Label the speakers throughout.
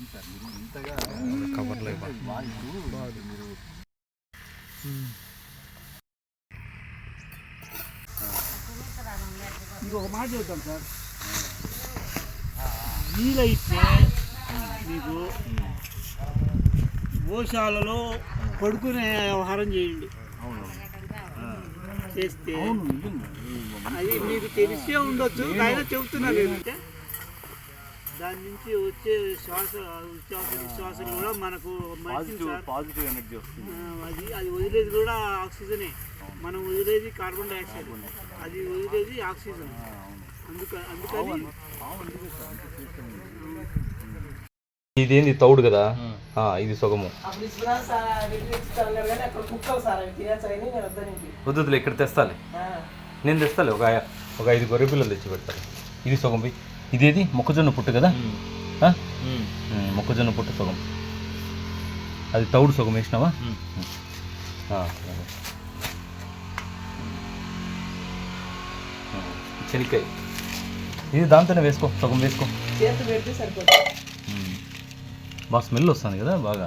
Speaker 1: కవర్లో
Speaker 2: ఇంకొక మాట చెప్తాను సార్, వీలైతే మీకు గోశాలలో పడుకునే వ్యవహారం చేయండి. చేస్తే అది మీకు తెలిసే ఉండొచ్చు, అయినా చెబుతున్నారు ఏంటంటే దాని నుంచి వచ్చే విశ్వాసం కూడా మనకు
Speaker 3: పాజిటివ్ ఎనర్జీ వస్తుంది.
Speaker 2: అది వదిలేది కూడా ఆక్సిజనే, మనం వదిలేది కార్బన్ డైఆక్సైడ్, అది వదిలేది ఆక్సిజన్. అందుకని
Speaker 1: ఇదేంది తౌడు కదా, ఇది సుగము. వద్దులే, ఇక్కడ తెస్తాలే, నేను తెస్తాలే. ఒక 5 గొర్రె పిల్లలు తెచ్చి పెడతాను. ఇది సుగం. ఇదేది మొక్కజొన్న పుట్టు కదా, మొక్కజొన్న పుట్టు సుగం. అది తౌడు సుగం వేసినావా? శనిక్కాయ ఇది దాంతోనే వేసుకో, సగం వేసుకో. బాగా స్మెల్ వస్తుంది కదా, బాగా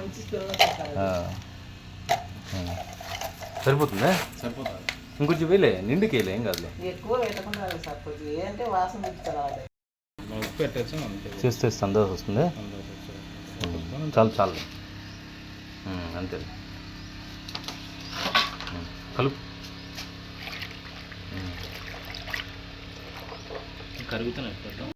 Speaker 1: సరిపోతుందా?
Speaker 3: సరిపోతుంది.
Speaker 1: ఇంకొంచెం వేలే, నిండుకి వేయలే, ఏం కాదులే. చేస్తే సందేహం వస్తుంది. చాలు చాలు, అంతే. కలుపు.
Speaker 3: కరుగుతున్నాయి.